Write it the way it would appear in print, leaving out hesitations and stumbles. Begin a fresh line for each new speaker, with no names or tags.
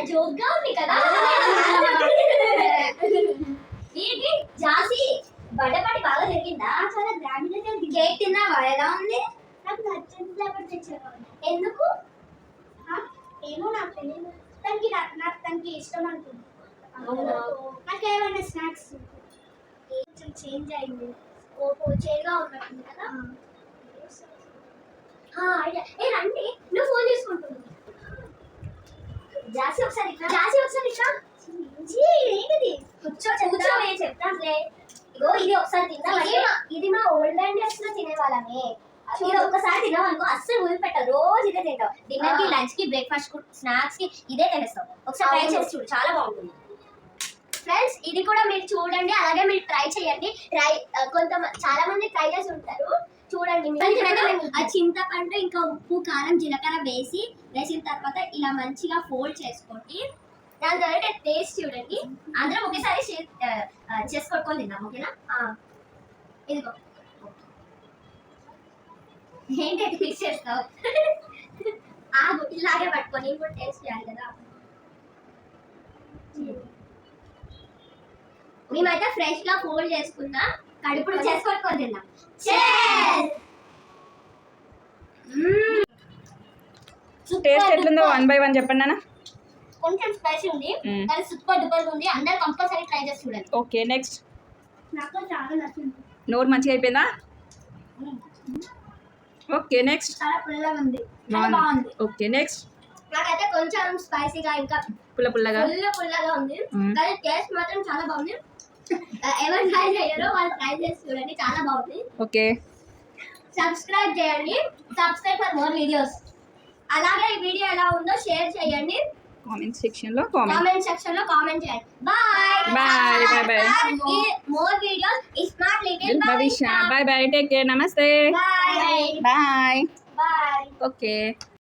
జోక్గా ఉంది కదా. ఏంటి జాసి బడబడి బాగా జరిగిందా? చాలా గ్రాండ్ గా జరిగింది. కేక్ తిన్నావా? ఎలా ఉంది? నాకు నచ్చింది ఫ్లేవర్ తెచ్చారు. ఎందుకు? ఏమో నాకు తెలియదు. తనకి ఇష్టం అనుకుంది. నాకు ఏమైనా స్నాక్స్ కొంచెం చేంజ్ అయింది. ఓహో చేంజ్గా ఉన్నట్టుంది కదా. ఏ రండి, నువ్వు ఫోన్ చేసుకుంటుంది. జాసి ఒకసారి ఇట్లా. ఏంటిది? కూర్చోవే చెప్తాంలే. ఇగో ఇది ఒకసారి తిన్నా. ఇది మా ఓల్డ్ అండ్ డేస్ లో తినేవాళ్ళమే. ఇది ఒక్కసారి తిన్నావనుకో అస్సలు వదిలిపెట్టావు. రోజు ఇదే తింటావు. డిన్నర్ కి, లంచ్ కి, బ్రేక్ఫాస్ట్ కి, స్నాక్స్ కి ఇదే తినేస్తావు. ఒకసారి ట్రై చేసి చూడు, చాలా బాగుంటుంది. ఫ్రెండ్స్ ఇది కూడా మీరు చూడండి, అలాగే మీరు ట్రై చేయండి. చాలా మంది ట్రై చేసి ఉంటారు, చూడండి. ఆ చింతపండు ఇంకా ఉప్పు, కారం, జీలకర్ర వేసిన తర్వాత ఇలా మంచిగా ఫోల్డ్ చేసుకోండి. దాని తర్వాత టేస్ట్ చూడండి. అందరం ఒకేసారి చేసుకొని తిందాం, ఓకేనా? ఇదిగో ఏంటి మిక్స్ చేస్తావు? ఆగు, ఇలాగే పట్టుకొని ఇప్పుడు టేస్ట్ చేయాలి కదా. మేమైతే ఫ్రెష్ గా ఫోల్డ్ చేసుకున్నా, కడుపుడు చేసుకొని తిందాం.
టేస్ట్ ఎట్లుందో 1 by 1 చెప్పండి అన్న.
కొంచెం స్పైసీ ఉంది, కానీ సూపర్ డూపర్ ఉంది. అందరూ కంపల్సరీ ట్రై చేసి చూడండి.
Okay next.
నాకు చాలా నచ్చింది.
నోరు మంచిగా అయిపోయిందా? Okay next.
చాలా పుల్లగా ఉంది, చాలా బాగుంది.
Okay next.
నాకైతే కొంచెం స్పైసీగా ఇంకా పుల్లగా ఉంది, కానీ టేస్ట్ మాత్రం చాలా బాగుంది. ఎవరు ట్రై చేయరో వాళ్ళు ట్రై చేసి చూడండి, చాలా బాగుంది.
ఓకే
సబ్స్క్రైబ్ చేయండి, సబ్స్క్రైబ్ ఫర్ మోర్ వీడియోస్. అలాగే ఈ వీడియో ఎలా ఉందో షేర్ చేయండి,
కామెంట్ సెక్షన్ లో
కామెంట్ చేయండి. Bye. More videos smart little
Bhavishya. Bye take care. నమస్తే.
బాయ్.
బాయ్. ఓకే.